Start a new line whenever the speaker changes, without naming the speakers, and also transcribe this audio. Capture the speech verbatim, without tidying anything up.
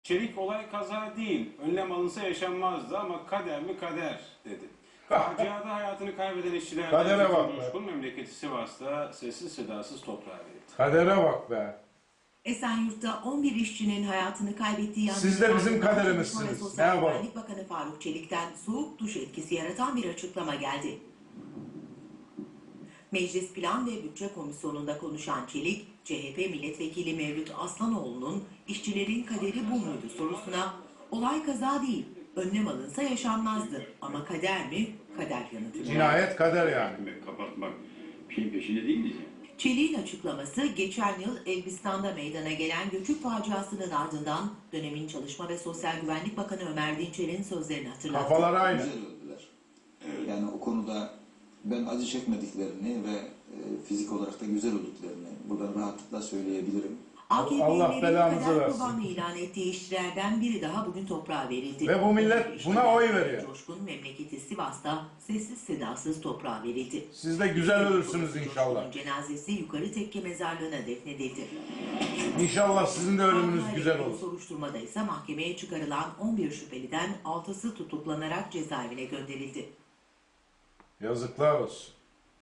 Çelik olay kaza değil, önlem alınsa yaşanmazdı ama kader mi kader dedi. Faciada hayatını kaybeden işçilerden
Kadere bak
Zeytin
be.
Coşkun memleketi Sivas'ta sessiz sedasız toprağa verildi.
Kadere bak be.
Esenyurt'ta on bir işçinin hayatını kaybettiği
Siz de bizim
Çalışma ve
kaderimizsiniz.
Sosyal
Ne yapalım?
Güvenlik Bakanı Faruk Çelik'ten soğuk duş etkisi yaratan bir açıklama geldi. Meclis Plan ve Bütçe Komisyonu'nda konuşan Çelik, C H P Milletvekili Mevlüt Aslanoğlu'nun işçilerin kaderi bu muydu sorusuna olay kaza değil, önlem alınsa yaşanmazdı ama kader mi? Kader yanıtı verdi.
Cinayet kader yani.
Kapatmak şeyin peşinde değiliz yani.
Çelik'in açıklaması geçen yıl Elbistan'da meydana gelen göçük faciasının ardından dönemin Çalışma ve Sosyal Güvenlik Bakanı Ömer Dinçer'in sözlerini hatırlattı.
Kafalar aynı.
Güzel öldüler. Yani o konuda ben acı çekmediklerini ve e, fizik olarak da güzel olduklarını buradan rahatlıkla söyleyebilirim.
A K
Allah
P'lilerin
belanızı
kader
versin.
kurbanı ilan ettiği işçilerden biri daha bugün toprağa verildi.
Ve bu millet buna oy veriyor.
Coşkun memleketi Sivas'ta sessiz sedasız toprağa verildi.
Siz de güzel ölürsünüz inşallah.
Coşkun'un cenazesi yukarı tekke mezarlığına defnedildi.
İnşallah sizin de ölümünüz
Kanunla
güzel
ilgili
olur.
Soruşturmada ise mahkemeye çıkarılan on bir şüpheliden altısı tutuklanarak cezaevine gönderildi.
Yazıklar olsun.